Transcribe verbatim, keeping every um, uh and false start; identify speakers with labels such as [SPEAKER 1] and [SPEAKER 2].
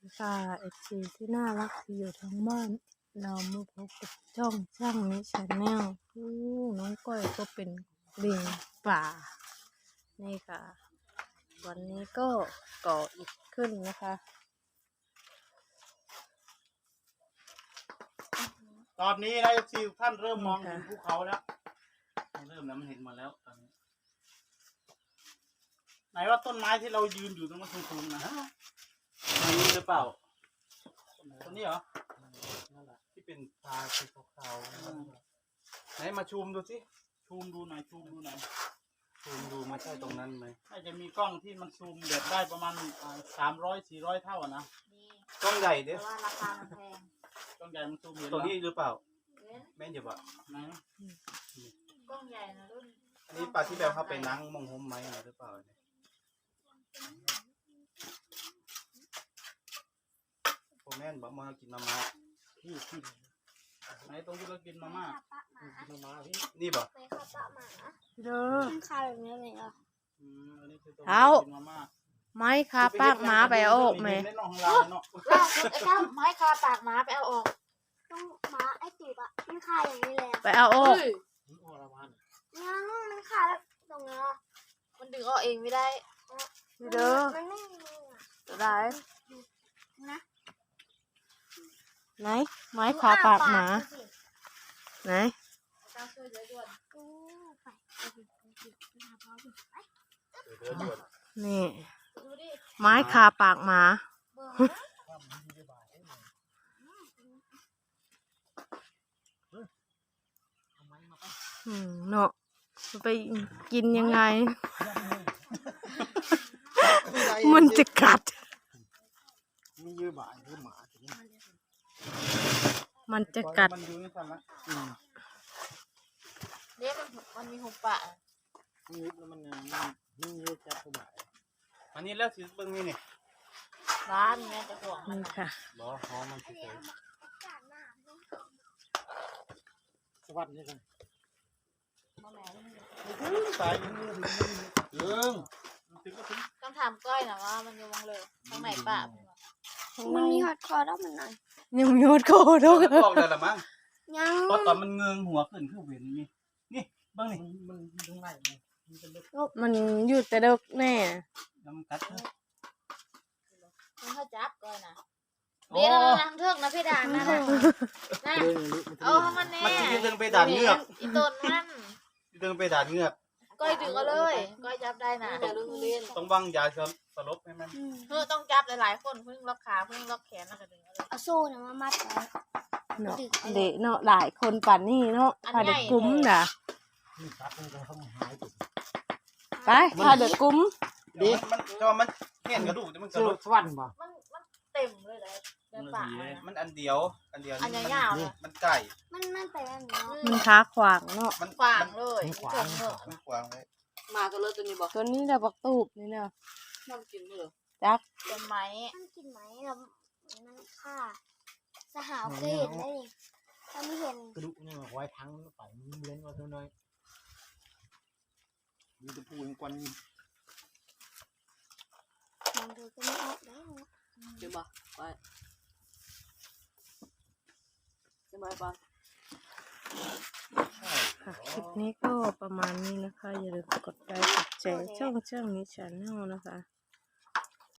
[SPEAKER 1] ค่ะเอฟซีที่น่ารักที่อยู่ทั้งบ้านเรามาพบกับช่องช่างนี้ชาแนลอู้น้องก้อยก็เป็นลิงป่านี่ค่ะ วันนี้ก็ก่ออิฐขึ้นนะคะ
[SPEAKER 2] ตอนนี้นะซีท่านเริ่มมองเห็นภูเขาแล้วเริ่มแล้วมันเห็นมาแล้วตอนนี้ไหนว่าต้นไม้ที่เรายืนอยู่ตรงนั้นสูงๆนะอันนี้หรือเปล่าต้นนี้เหรอนั่นแหละที่เป็นตาสีขาวๆไหนมาชูมดูสิชูมดูหน่อยชูมดูหน่อยชูมดูไม่ใช่ตรงนั้นไหมน่าจะมีกล้องที่มันซูมเด็ดได้ประมาณสามร้อยสี่ร้อยเท่าอ่ะนะกล้องใหญ่เด้อว่าราคามันแพงกล้องใหญ่มันซูมเห็นตัวนี้หรือเปล่าแม่นอยู่ปะไหนกล้องใหญ่นะรุ่นอันนี้ปลาที่แบบเขาไปนั่งมองห่มไหมหรือเปล่าเนี่ยผมแม่นบอกมากินมาม่าพี่พี่ไหนตรงที่เรากินมาม่ากินมาม่าพี่นี่บอกไปข้าวปลาหมาเด้อมันคาแบบนี้เลยเหรออืมอันนี้คือตรงที่กินมาม่า
[SPEAKER 1] ไม้คาปากหมาไปเอาออกไหม
[SPEAKER 3] ไม้คาปากหมาไปเอาออกต้องหมาไอ้ตูบอะมันคาอย่างนี้เลย
[SPEAKER 1] ไปเอาออก
[SPEAKER 3] ยังมันคาแล้วตรงนี้มันดึงออกเองไม่ได้
[SPEAKER 1] เด้อ
[SPEAKER 3] มันไม่มี
[SPEAKER 1] จะได้
[SPEAKER 3] นะ
[SPEAKER 1] ไหนไม้คาปากหมาไหนนี่ไม้คาปากหมาอืมเนาะไปกินยังไงมันจะกัด
[SPEAKER 2] มีเยอะบ่ายเยอะหมา
[SPEAKER 1] มันจะกัด
[SPEAKER 3] เนี่ยมันมันมีหุบปะ
[SPEAKER 2] นี่แล้วมันนี่เยอะจัดบ่ายอันนี้แล้วสิเบิ่งนี่นี่
[SPEAKER 3] ร้านเนี่ยจะห่วง
[SPEAKER 1] นี่ค่ะ
[SPEAKER 2] บ่หอมมันสิสวัสดีครับสายมือเรื่อง
[SPEAKER 3] ต้องถามก้อยนะว่ามันอยู่วงเลยตรงไหนป่ะ
[SPEAKER 1] มัน
[SPEAKER 3] มีฮอตคอร์ดมันหน่อย
[SPEAKER 1] ยังมีฮอตคอร์ดด้วย
[SPEAKER 2] บอกได้ละมั้ง
[SPEAKER 3] ยัง
[SPEAKER 2] เพราะตอนมันเงืองหัวขึ้นคือเห็นนี่นี่เบิ่งนี่มันตรงไหน
[SPEAKER 1] มันอยู่แต่เด็กแน่
[SPEAKER 2] น้ำกัด
[SPEAKER 3] มันเขาจับก้อยนะเดี๋ยวเราทำเทือกนะพี่ด่างนะนะเอามันแน่
[SPEAKER 2] มันยืนดึงไปด่านเงือก
[SPEAKER 3] อีต้นมัน
[SPEAKER 2] ดึงไปด่านเงือก
[SPEAKER 3] ก้อยดึงเอาเลยก้อยจับได้นะ
[SPEAKER 2] ต้องวางยาสลบให้มัน
[SPEAKER 3] เพื่อต้องจับหลายๆคนเพิ่งล็อกขาเพิ่งล็อกแขนแล้วก็ดึงเอาเลยเอาโซ่เนี่ยมามัดไว้
[SPEAKER 1] เนาะเด็กเนาะหลายคนป่านนี้เนาะถ้าเด็กกุ้มน่ะไปถ้าเด็กกุ้ม
[SPEAKER 2] ดีมันก็มันเห็นกระดูกแต่มันกระดูกสวรรค์ป่ะ
[SPEAKER 3] มันมันเต็มเลยเลยเดินป่า
[SPEAKER 2] มันอันเดียวอันเดียว
[SPEAKER 3] อันยาว
[SPEAKER 2] ๆมันไก่
[SPEAKER 3] มันมันแต่อันนี้
[SPEAKER 1] มันขาขวางเนาะ
[SPEAKER 2] มัน
[SPEAKER 3] ขวางเลย
[SPEAKER 2] ขวางมันขวางเลย
[SPEAKER 3] มาตัวเลยตัวนี้บอก
[SPEAKER 1] ตัวนี้เราบักตูบนี่เนาะ
[SPEAKER 3] มันกินเลย
[SPEAKER 1] จัก
[SPEAKER 3] กินไหมมันกินไหมเรามันฆ่าสหาวเคยเห็นได้ถ้าไม่เห็น
[SPEAKER 2] กระดูกเนี่ยไว้ทั้งไปมันเลี้ยงไว้เท่าน้อยมีตะปูยังกวน
[SPEAKER 3] มองดูก็ไม่ออกได้
[SPEAKER 4] เดี๋ยวบอกไปเดี๋ยวบอก
[SPEAKER 1] ค่ะคลิปนี้ก็ประมาณนี้นะคะอย่าลืมกดไลค์กดแชร์ช่องช่างนี้ชาแนลนะคะ